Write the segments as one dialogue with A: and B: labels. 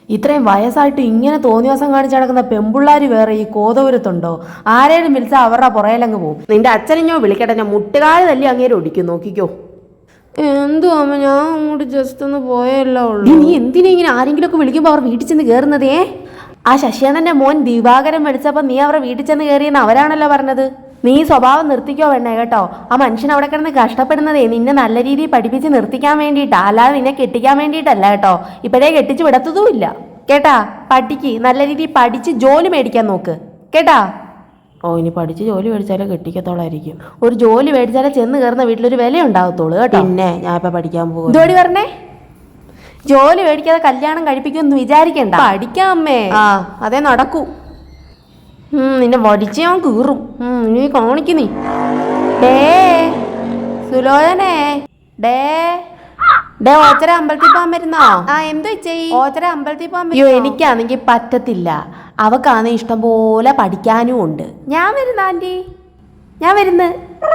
A: ഇത്രയും വയസ്സായിട്ട് ഇങ്ങനെ തോന്നിയാസം കാണിച്ച് നടക്കുന്ന പെമ്പിള്ളാർ വേറെ ഈ കോതപുരത്തുണ്ടോ? ആരേലും വിളിച്ചാൽ അവരുടെ പുറയിലങ്ങ് പോകും. നിന്റെ അച്ഛനെഞ്ഞോ വിളിക്കട്ടെ, ഞാൻ മുട്ടുകാല് തല്ലി അങ്ങേരെ ഒടിക്കും, നോക്കിക്കോ.
B: എന്തു അമ്മ, ഞാൻ അങ്ങോട്ട് ജസ്റ്റ് ഒന്ന് പോയല്ലോ ഉള്ളൂ.
A: നീ എന്തിനാ ഇങ്ങനെ ആരെങ്കിലും ഒക്കെ വിളിക്കുമ്പോൾ അവർ വീട്ടിൽ ചെന്ന് കയറുന്നതേ? ആ ശശിയാനന്റെ മോൻ ദിവാകരൻ വിളിച്ചപ്പോൾ നീ അവരുടെ വീട്ടിൽ ചെന്ന് കയറിയെന്ന് അവരാണല്ലോ പറഞ്ഞത്. നീ സ്വഭാവം നിർത്തിക്കോ വേണേ കേട്ടോ. ആ മനുഷ്യൻ അവിടെ കിടന്ന് കഷ്ടപ്പെടുന്നതേ നിന്നെ നല്ല രീതിയിൽ പഠിപ്പിച്ച് നിർത്തിക്കാൻ വേണ്ടിയിട്ടാ, അല്ലാതെ നിന്നെ കെട്ടിക്കാൻ വേണ്ടിയിട്ടല്ല കേട്ടോ. ഇപ്പോഴേ കെട്ടിച്ച് വിടത്തതുമില്ല കേട്ടാ. പഠിക്ക്, നല്ല രീതിയിൽ പഠിച്ച് ജോലി മേടിക്കാൻ നോക്ക് കേട്ടാ. ഓ, ഇനി പഠിച്ച് ജോലി മേടിച്ചാലേ കെട്ടിക്കത്തോളായിരിക്കും. ഒരു ജോലി മേടിച്ചാലേ ചെന്ന് കയറുന്ന വീട്ടിലൊരു വില ഉണ്ടാകത്തുള്ളൂ കേട്ടോ. പിന്നെ ഞാൻ ഇപ്പം പഠിക്കാൻ പോകും. ജോലി പറഞ്ഞേ, ജോലി മേടിക്കാതെ കല്യാണം കഴിപ്പിക്കുമെന്ന് വിചാരിക്കണ്ട. പഠിക്കാം അമ്മേ. ആ, അതേ നടക്കൂ. നിന്നെ വടിച്ച് ഞാൻ കീറും. ഇനി കാണിക്കുന്നീ. ഡേ സുലോചനേ, ഡേ ഡേ ഓച്ചര അമ്പലത്തിൽ പോകാൻ വരുന്നോ? ആ, എന്തോ ചെയ് ഓച്ചര അമ്പലത്തിൽ പോകാൻ. അയ്യോ, എനിക്കാണെങ്കിൽ പറ്റത്തില്ല. അവക്കാണ് ഇഷ്ടം പോലെ പഠിക്കാനും ഉണ്ട്. ഞാൻ വരുന്ന ആൻറ്റി, ഞാൻ വരുന്ന്.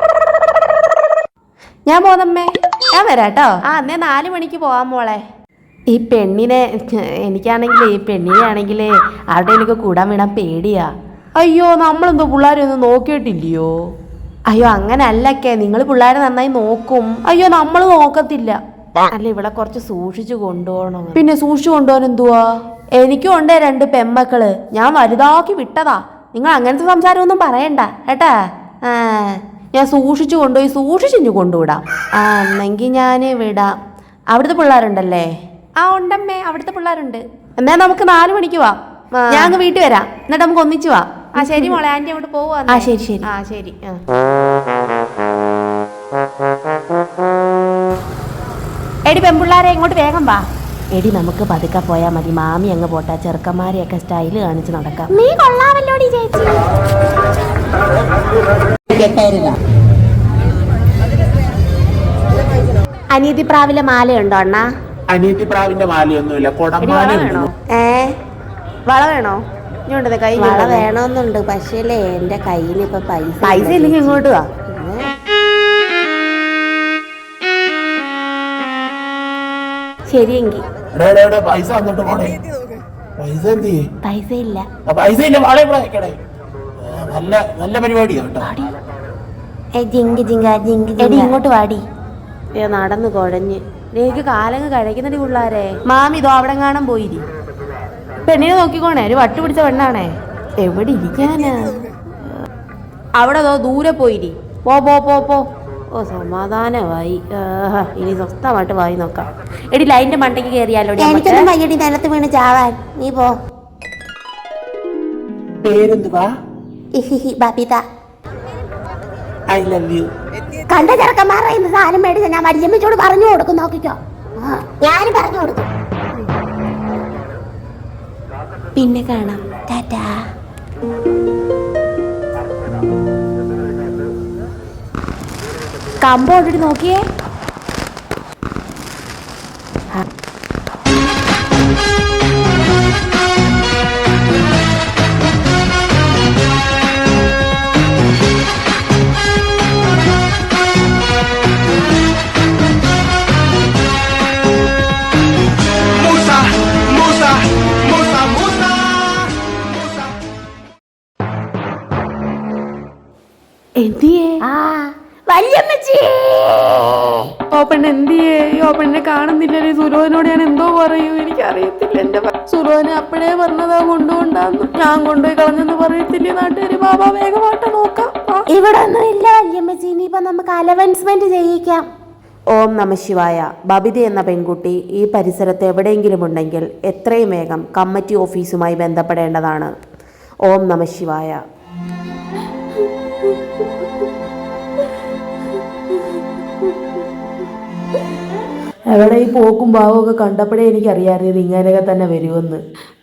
A: ഞാൻ പോന്നമ്മേ, ഞാൻ വരാട്ടോ. ആ, എന്നേ 4 മണിക്ക് പോവാൻ മോളെ. ഈ പെണ്ണിനെ എനിക്കാണെങ്കിൽ ഈ പെണ്ണിനെ ആണെങ്കിൽ ആരുടെ എനിക്ക് കൂടാൻ വീണാൻ പേടിയാ. അയ്യോ, നമ്മളെന്തോ പിള്ളേരെ ഒന്നും നോക്കിയിട്ടില്ലയോ? അയ്യോ, അങ്ങനെ അല്ലൊക്കെ, നിങ്ങൾ പിള്ളേരെ നന്നായി നോക്കും. അയ്യോ, നമ്മൾ നോക്കത്തില്ല. അല്ല, ഇവിടെ കുറച്ച് സൂക്ഷിച്ചു കൊണ്ടുപോകണം. പിന്നെ സൂക്ഷിച്ചു കൊണ്ടുപോകാൻ എന്തുവാ? എനിക്കും ഉണ്ട് 2 പെമ്മക്കള്, ഞാൻ വലുതാക്കി വിട്ടതാ. നിങ്ങൾ അങ്ങനത്തെ സംസാരമൊന്നും പറയണ്ട കേട്ടാ. ഞാൻ സൂക്ഷിച്ചു കൊണ്ടുപോയി സൂക്ഷിച്ചു കൊണ്ടുവിടാം. എന്നെങ്കിൽ ഞാൻ വിടാം. അവിടുത്തെ പിള്ളേരുണ്ടല്ലേ? ആ, ഉണ്ടമ്മേ, അവിടുത്തെ പിള്ളേരുണ്ട്. എന്നാ നമുക്ക് 4 മണിക്ക് വാ. ഞാൻ അങ്ങ് വീട്ടിൽ വരാം, എന്നിട്ട് നമുക്ക് ഒന്നിച്ചു വാ. ആ ശരി മോളെ, ആൻറ്റി അങ്ങോട്ട് പോവാ. ആ ശരി ശരി. ആ ശരി. എടി പെൺപിള്ളാരെ, ഇങ്ങോട്ട് വേഗം വാ. എടി, നമുക്ക് പതുക്കെ പോയാൽ മതി. മാമി അങ്ങ് പോട്ടെ, ചെറുക്കന്മാരെയൊക്കെ സ്റ്റൈല് കാണിച്ച് നടക്കാം. നീ കൊള്ളാമല്ലോടി ചേച്ചി. അനിയത്തി പ്രാവിലെ മാലയുണ്ടോ അണ്ണാ?
C: അനിയത്തി പ്രാവിന്റെ മാലയൊന്നുമില്ല, കൊടമാല വേണോ?
A: വള വേണോ? കൈ
B: വള വേണമെന്നുണ്ട്, പക്ഷേ എന്റെ കയ്യിൽ ഇപ്പൊ
A: പൈസ ഇല്ലെങ്കിൽ ഇങ്ങോട്ട് വാ. ശരിയെങ്കിൽ
C: പൈസ വന്നിട്ട് പോണേ. പൈസ എന്ത് ചെയ്യും?
A: പൈസ ഇല്ല.
C: പൈസ ഇല്ല, വാള ഇവിടെ വെക്കണേ. നല്ല നല്ല പരിപാടിയാ കേട്ടോ.
A: എടി ഇങ്ങോട്ട് വാടി. നടന്ന് കുഴഞ്ഞ് എനിക്ക് കാലങ്ങ് കഴിക്കുന്നടി പിള്ളാരെ. മാമി ഇതോ അവിടെ കാണാൻ പോയിരി. പെണ്ണിനെ നോക്കിക്കോണേ, ഒരു വട്ട് പിടിച്ച പെണ്ണാണേ. എവിടെ ഇരിക്കാനാ? അവിടെ ദൂരെ പോയിരി. പോ പോ പോ പോ. ഓ, സമാധാനമായി. ഇനി സ്വസ്ഥമായിട്ട് വായി നോക്കാം. എടി, ലൈനിന്റെ മണ്ടയ്ക്ക് കയറിയാലോ?
B: എനിക്കൊന്നും വയ്യടി നിലത്ത് വീണ് ചാവാൻ. നീ പോ.
C: പേരെന്തുവാ?
B: ബബിത.
C: I love you.
B: കണ്ട ചെറുക്കന്മാരുടെ ഇന്ന് സാധനം മേടിച്ച ഞാൻ വല്യമ്മച്ചോട് പറഞ്ഞു കൊടുക്കും, നോക്കിക്കോ. ഞാനും പറഞ്ഞു കൊടുക്കും.
A: പിന്നെ കാണാം. ടാറ്റാ. കമ്പ് ഓൾറെഡി നോക്കിയേ. എന്തിയേ? പെണ്ണെന്തിയേ? പെണ്ണെ കാണുന്നില്ലല്ലേ? സുരോനോട് ഞാൻ എന്തോ പറയൂ, എനിക്കറിയത്തില്ല. എന്റെ സുരോനെ അപ്പഴേ പറഞ്ഞതാ കൊണ്ടുകൊണ്ടാന്ന്. ഞാൻ കൊണ്ടുപോയി കളഞ്ഞെന്ന് പറയത്തില്ലേ നാട്ടുകാര്? ബാബാ, വേഗമായിട്ട് നോക്കാം.
B: ഇവിടെ ഒന്നും ഇല്ല വല്യമ്മച്ചി, ഇനിയിപ്പൊ നമുക്ക് അലവൻസ്മെന്റ് ചെയ്യിക്കാം.
A: ഓം നമ ശിവായ. ബബിത എന്ന പെൺകുട്ടി ഈ പരിസരത്ത് എവിടെയെങ്കിലും ഉണ്ടെങ്കിൽ എത്രയും വേഗം കമ്മിറ്റി ഓഫീസുമായി ബന്ധപ്പെടേണ്ടതാണ്. ഓം നമ ശിവായ. എവിടെ ഈ പോക്കും ഭാവവും ഒക്കെ കണ്ടപ്പോഴേ എനിക്കറിയാമായിരുന്നു ഇങ്ങനെയൊക്കെ തന്നെ വരുമെന്ന്.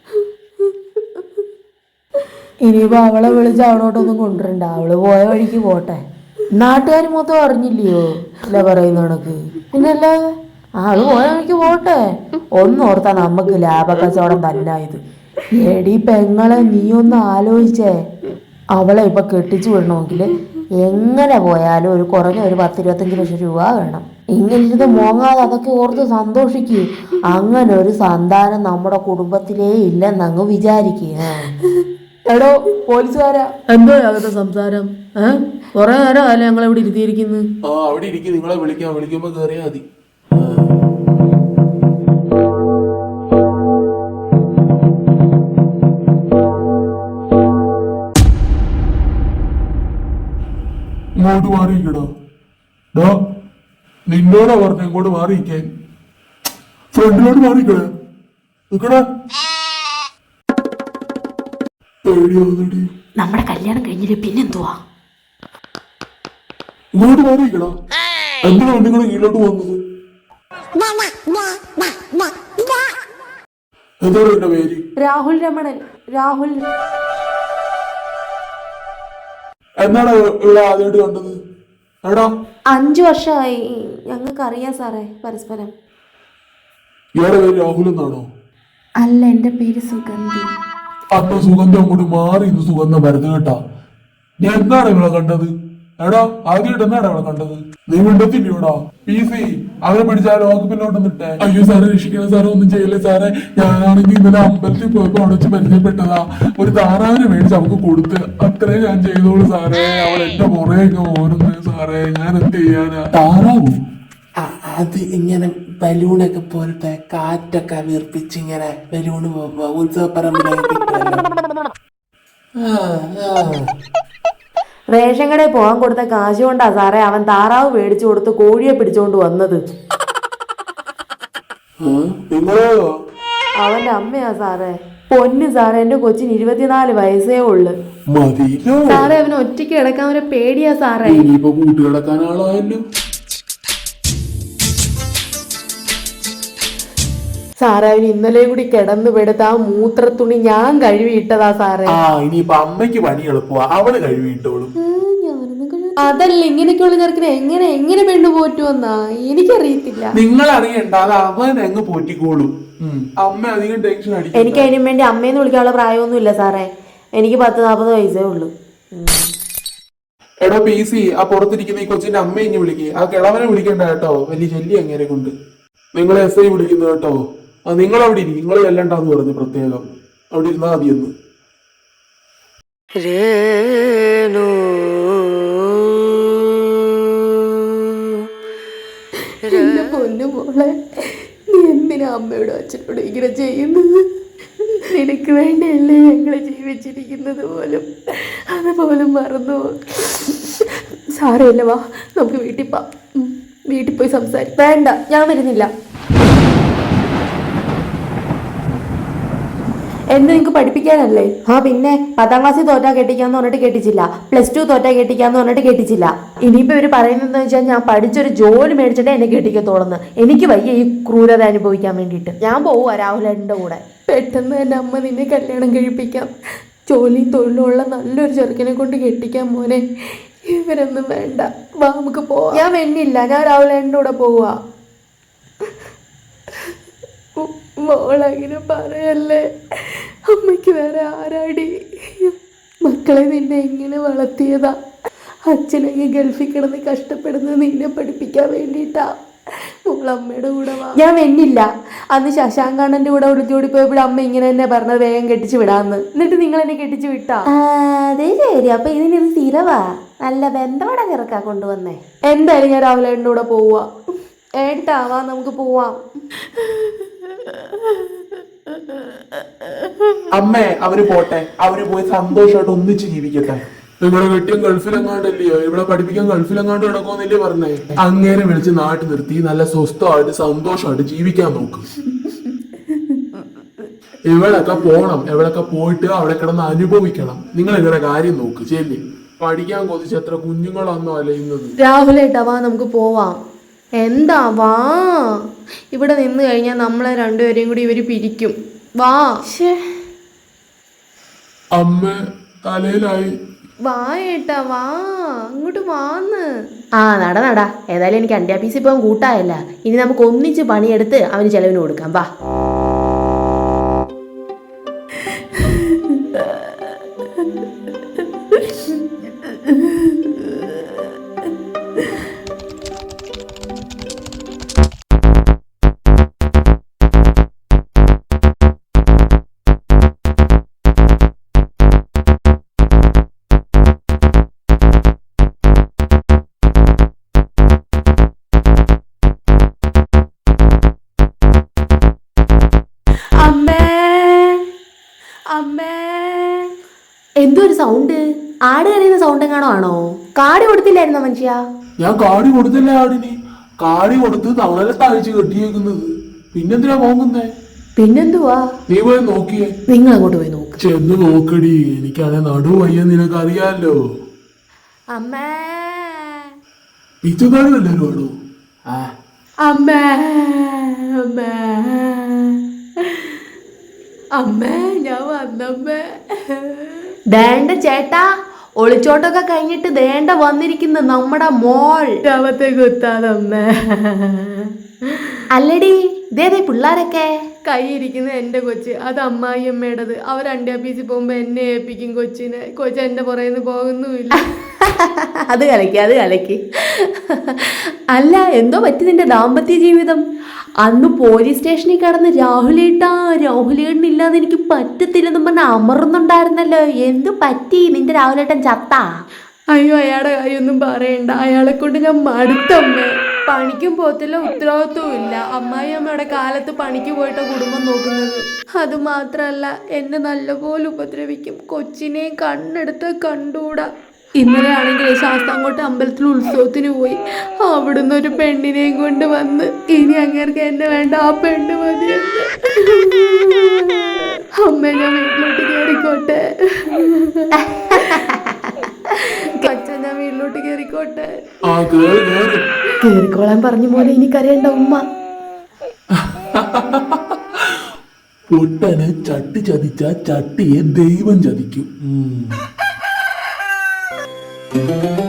A: ഇനിയിപ്പോൾ അവളെ വിളിച്ച് അവളോട്ടൊന്നും കൊണ്ടുവരണ്ട, അവള് പോയ വഴിക്ക് പോട്ടെ. നാട്ടുകാർ മൊത്തം അറിഞ്ഞില്ലയോ അല്ല പറയുന്ന കണക്ക്? പിന്നല്ലാതെ അവള് പോയ വഴിക്ക് പോട്ടെ. ഒന്നോർത്താ നമുക്ക് ലാഭക്കച്ചവടം തന്നെ ഇത്. എടി പെങ്ങളെ, നീ ഒന്ന് ആലോചിച്ചേ. അവളെ ഇപ്പൊ കെട്ടിച്ചു വിടണമെങ്കിൽ എങ്ങനെ പോയാലും കുറഞ്ഞ ഒരു 10-25 ലക്ഷം രൂപ വേണം. ഇങ്ങനെ ഇരുന്ന് മോങ്ങാതെ അതൊക്കെ ഓർത്ത് സന്തോഷിക്കുക. അങ്ങനെ ഒരു സന്താനം നമ്മുടെ കുടുംബത്തിലേ ഇല്ലെന്നങ്ങ് വിചാരിക്കുക. എടോ പോലീസുകാരാ, എന്തോ അകത്തെ സംസാരം? കൊറേ നേരം അല്ലേ ഞങ്ങൾ ഇവിടെ ഇരുത്തിയിരിക്കുന്നു.
C: ആ അവിടെ ഇരിക്കും, നിങ്ങളെ വിളിക്കുമ്പോ കേറിയാ മതി. ഇങ്ങോട്ട് മാറിയിക്കടോ. നിന്നോടാ പറഞ്ഞ ഇങ്ങോട്ട് മാറിയിക്കാൻ. ഫ്രണ്ടിലോട്ട് മാറിക്കട നിക്കടാ. പേടിയാവുന്നടി.
A: നമ്മുടെ കല്യാണം കഴിഞ്ഞിട്ട് പിന്നെന്തുവാ?
C: ഇങ്ങോട്ട് മാറിയിക്കടാ. എന്തിനാ നിങ്ങൾ കീഴിലോട്ട് വന്നത്? എന്താണ് എന്റെ പേര്?
A: രാഹുൽ രമണൻ. രാഹുൽ.
C: എന്നാണ് ഇവിടെ ആദ്യമായിട്ട് കണ്ടത്? എടാ
A: 5 വർഷമായി. ഞങ്ങൾക്ക് അറിയാം സാറേ പരസ്പരം.
C: ഇയാളുടെ പേര് രാഹുൽ എന്നാണോ?
A: അല്ല, എന്റെ പേര് സുഗന്ധി.
C: അന്ന് സുഗന്ധം അങ്ങോട്ട് മാറി ഇന്ന് സുഗന്ധം വരുന്നത് കേട്ടാ. ഞാൻ എന്താണ് ഇവിടെ കണ്ടത്? എടാ ആദ്യമായിട്ട് എന്താണ് ഇവിടെ കണ്ടത്? നീ മിണ്ടത്തില്ലയോടാ? PC അവരെ പിടിച്ചാൽ വകുപ്പിലോട്ടൊന്നിട്ടെ. അയ്യോ സാറേ രക്ഷിക്കണം സാറേ, ഒന്നും ചെയ്യല്ലേ സാറേ. ഞാനാണെങ്കിൽ ഇന്നലെ അമ്പലത്തിൽ പോയപ്പോ അവിടെ വെച്ച് പരിചയപ്പെട്ടതാ. ഒരു താറാവിനെ മേടിച്ച് അവൾക്ക് കൊടുത്ത്, അത്രേ ഞാൻ ചെയ്തോളൂ സാറേ. അവൾ എന്റെ പുറയൊക്കെ ഓടുന്നു സാറേ, ഞാൻ എന്ത് ചെയ്യാനാ? താറാവോ? അത് ഇങ്ങനെ ബലൂണൊക്കെ പോലത്തെ കാറ്റൊക്കെ വീർപ്പിച്ച് ഇങ്ങനെ ബലൂണ് ഉത്സവപ്പറമ്പിലൊക്കെ.
A: റേഷൻ കടയിൽ പോകാൻ കൊടുത്ത കാശ് കൊണ്ടാ സാറേ അവൻ താറാവ് മേടിച്ചു കൊടുത്ത് കോഴിയെ പിടിച്ചോണ്ട് വന്നത്. അവന്റെ അമ്മയാ സാറേ. പൊന്നു സാറേ, എന്റെ കൊച്ചിന് 24 വയസ്സേ ഉള്ളു സാറേ. അവന് ഒറ്റയ്ക്ക് കിടക്കാൻ അവരെ പേടിയാ സാറേ.
C: കൂട്ടുകിടക്കാൻ ആളായല്ലോ
A: സാറേ. അവന് ഇന്നലെ കൂടി കിടന്നു പെടുത്ത ആ മൂത്രത്തുണി ഞാൻ കഴുകിയിട്ടതാ സാറേ.
C: ഇനിയിപ്പൊ അമ്മയ്ക്ക് പണി എളുപ്പമാ, അവള് കഴുകിയിട്ടോളും.
A: അതല്ല, ഇങ്ങനെയൊക്കെയുള്ള ചെറുക്കിനെ എങ്ങനെ പെണ്ണു പോറ്റുമെന്നാ എനിക്കറിയത്തില്ല.
C: നിങ്ങൾ അറിയണ്ട, അത് അവൻ അങ്ങ് പോറ്റിക്കോളും. അമ്മ അധികം ടെൻഷൻ അടിക്കും.
A: എനിക്ക് അതിനും വേണ്ടി അമ്മയെന്ന് വിളിക്കാനുള്ള പ്രായമൊന്നുമില്ല സാറേ. എനിക്ക് 10-40 വയസ്സേ ഉള്ളു.
C: എടോ PC, ആ പുറത്തിരിക്കുന്ന ഈ കൊച്ചിന്റെ അമ്മ ഇനി വിളിക്കേ. ആ കിളവനെ വിളിക്കണ്ട കേട്ടോ, വലിയ ശല്യം അങ്ങനെ കൊണ്ട്. നിങ്ങളെ SI വിളിക്കുന്നു കേട്ടോ. നിങ്ങൾ അവിടെ ഇരിക്കും, നിങ്ങൾ ചെല്ലണ്ടെന്ന് പറഞ്ഞു പ്രത്യേകം. അവിടെ ഇരുന്നാ മതിയെന്ന്.
A: എന്റെ പൊന്നു മോളെ, നീ എന്തിനാ അമ്മയോടും അച്ഛനോടും ഇങ്ങനെ ചെയ്യുന്നത്? നിനക്ക് വേണ്ടിയല്ലേ ഞങ്ങള് ജീവിച്ചിരിക്കുന്നത് പോലും. അതുപോലും മറന്നു. സാരമില്ല, വാ നമുക്ക് വീട്ടിൽ പോയി സംസാരിക്കാം. വേണ്ട, ഞാൻ വരുന്നില്ല. എന്ന് നിങ്ങൾക്ക് പഠിപ്പിക്കാനല്ലേ? പിന്നെ 10ാം ക്ലാസ്സിൽ തോറ്റാ കെട്ടിക്കാന്ന് പറഞ്ഞിട്ട് കെട്ടിച്ചില്ല, +2 തോറ്റാ കെട്ടിക്കാന്ന് പറഞ്ഞിട്ട് കെട്ടിച്ചില്ല. ഇനിയിപ്പോ ഇവര് പറയുന്നതെന്ന് വെച്ചാൽ ഞാൻ പഠിച്ചൊരു ജോലി മേടിച്ചിട്ടേ എന്നെ കെട്ടിക്കത്തോളന്ന്. എനിക്ക് വയ്യ ഈ ക്രൂരത അനുഭവിക്കാൻ വേണ്ടിയിട്ട്. ഞാൻ പോവുക രാഹുലേട്ടൻ്റെ കൂടെ. പെട്ടെന്ന് എൻ്റെ അമ്മ നിന്നെ കല്യാണം കഴിപ്പിക്കാം. ജോലിയും തൊഴിലുള്ള നല്ലൊരു ചെറുക്കനെ കൊണ്ട് കെട്ടിക്കാൻ മോനെ. ഇവരൊന്നും വേണ്ട, വാ നമുക്ക് പോവാം. ഞാൻ വെണ്ണില്ല, ഞാൻ രാഹുലേട്ടൻ്റെ കൂടെ പോവുക. മോളങ്ങനെ പറയല്ലേ. അമ്മയ്ക്ക് വേറെ ആരാടി? മക്കളെ നിന്നെ എങ്ങനെ വളർത്തിയതാ? അച്ഛനൊക്കെ ഗൾഫിൽ കിടന്ന് കഷ്ടപ്പെടുന്നത് നിന്നെ പഠിപ്പിക്കാൻ വേണ്ടിയിട്ടാ. മോളമ്മയുടെ കൂടെ വാ. ഞാൻ വെന്നില്ല. അന്ന് ശശാങ്കണ്ണന്റെ കൂടെ ഒളിച്ചോടി പോയപ്പോഴും അമ്മ ഇങ്ങനെ തന്നെ പറഞ്ഞത് വേഗം കെട്ടിച്ചു വിടാന്ന്. എന്നിട്ട് നിങ്ങൾ എന്നെ കെട്ടിച്ചു വിട്ടാ? അതേ ശരി. അപ്പൊ ഇതിനൊരു സ്ഥിരവാ. നല്ല ബന്ധവട ചെറുക്കാ കൊണ്ടുവന്നേ. എന്തായാലും ഞാൻ രാഹുലേട്ടൻ്റെ കൂടെ പോവാ. ഏട്ടാവാ, നമുക്ക് പോവാം.
C: അമ്മേ, അവര് പോട്ടെ. അവര് പോയി സന്തോഷമായിട്ട് ഒന്നിച്ച് ജീവിക്കട്ടെ. നിങ്ങളുടെ കെട്ടിയും ഗൾഫിലെങ്ങാണ്ടല്ലയോ, ഇവിടെ പഠിപ്പിക്കാൻ ഗൾഫിലെങ്ങാണ്ട് കിടക്കുമെന്നല്ലേ പറഞ്ഞേ. അങ്ങേരെ വിളിച്ച് നാട്ടിൽ നിർത്തി നല്ല സ്വസ്ഥമായിട്ട് സന്തോഷമായിട്ട് ജീവിക്കാൻ നോക്ക്. എവിടെയൊക്കെ പോണം, എവിടെയൊക്കെ പോയിട്ട് അവിടെ കിടന്ന് അനുഭവിക്കണം. നിങ്ങൾ ഇവരുടെ കാര്യം നോക്ക്. ശരി, പഠിക്കാൻ കൊതിച്ച് എത്ര കുഞ്ഞുങ്ങളാന്നോ അലയുന്നത്.
A: രാഹുലേട്ടാ വാ, നമുക്ക് പോവാം. എന്താ വാ. ഇവിടെ നിന്ന് കഴിഞ്ഞാൽ നമ്മളെ രണ്ടുപേരെയും കൂടി ഇവര് പിരിക്കും. വാ.
C: അമ്മ തലയിലായി.
A: വാ ഏട്ടാ വാ, അങ്ങോട്ട് വാന്ന്. നട. ഏതായാലും എനിക്ക് അന്ത്യാപീസിൽ പോകാൻ കൂട്ടായല്ല. ഇനി നമുക്ക് ഒന്നിച്ച് പണിയെടുത്ത് അവന് ചെലവിന് കൊടുക്കാം. വാ. അമ്മേ. എന്തോ ഒരു സൗണ്ട്, ആട് കരയുന്ന സൗണ്ട് എങ്ങാണോ ആണോ? കാടി കൊടുത്തില്ലായിരുന്നോ മനുഷ്യ?
C: ഞാൻ കാടി കൊടുത്തില്ല ആടിന്. കാടി കൊടുത്ത് തവളത്തെ അഴിച്ച് കെട്ടിയേക്കുന്നത്. പിന്നെന്തിനാ പോകുന്നേ?
A: പിന്നെന്തുവാ?
C: നീ പോയി നോക്കിയേ.
A: നിങ്ങൾ അങ്ങോട്ട് പോയി നോക്ക്.
C: ചെന്ന് നോക്കടി, എനിക്കാണെ നടു വയ്യ, നിനക്കറിയാലോ.
A: അമ്മേ
C: പിച്ചക്കാട് എല്ലാരും ആണോ?
A: അമ്മേ അമ്മേ അമ്മേ, ഞാൻ വന്നമ്മേ. ദേണ്ട ചേട്ടാ, ഒളിച്ചോട്ടൊക്കെ കഴിഞ്ഞിട്ട് ദേണ്ട വന്നിരിക്കുന്നു നമ്മുടെ മോൾ. ശവത്തെ കുത്താതമ്മേ. അല്ലടി, ഇതേതേ പിള്ളാരൊക്കെ? കൈയിരിക്കുന്ന എന്റെ കൊച്ച്, അത് അമ്മായിയമ്മയുടേത്. അവർ അണ്ടിയാപ്പീസിൽ പോകുമ്പോ എന്നെ ഏൽപ്പിക്കും കൊച്ചിനെ. കൊച്ച് എന്റെ പുറയുന്ന് പോകുന്നുമില്ല. അത് കലക്കി. അല്ല, എന്തോ പറ്റി നിന്റെ ദാമ്പത്യ ജീവിതം? അന്ന് പോലീസ് സ്റ്റേഷനിൽ കിടന്ന് രാഹുലേട്ടനില്ലാതെ എനിക്ക് പറ്റത്തില്ലെന്നും പറഞ്ഞ അമർന്നുണ്ടായിരുന്നല്ലോ. എന്തു പറ്റി? നിന്റെ രാഹുലേട്ടൻ ചത്താ? അയ്യോ, അയാളുടെ കാര്യമൊന്നും പറയണ്ട. അയാളെ കൊണ്ട് ഞാൻ മടുത്തമ്മേ. പണിക്കും പോകത്തില്ല, ഉത്തരവാദിത്വവും ഇല്ല. അമ്മായി അമ്മയുടെ കാലത്ത് പണിക്ക് പോയിട്ട കുടുംബം നോക്കുന്നത്. അതുമാത്രല്ല, എന്നെ നല്ലപോലെ ഉപദ്രവിക്കും. കൊച്ചിനെ കണ്ണെടുത്ത് കണ്ടൂടാ. ഇന്നലെ ആണെങ്കിൽ ശാസ്താംകോട്ട അമ്പലത്തിൽ ഉത്സവത്തിന് പോയി. അവിടുന്ന് ഒരു പെണ്ണിനെയും കൊണ്ട് വന്ന്, ഇനി അങ്ങേർക്ക് എന്നെ വേണ്ട, ആ പെണ്ണ് മതിയെന്ന്. അമ്മ, ഞാൻ വീട്ടിലോട്ട് കയറിക്കോട്ടെ. കൊച്ചൻ, ഞാൻ വീട്ടിലോട്ട് കയറിക്കോട്ടെ. കേറിക്കോളാൻ പറഞ്ഞ പോലെ എനിക്കറിയണ്ട ഉമ്മ.
C: പൊട്ടനെ ചട്ടി ചതിച്ച ചട്ടിയെ ദൈവം ചതിക്കും.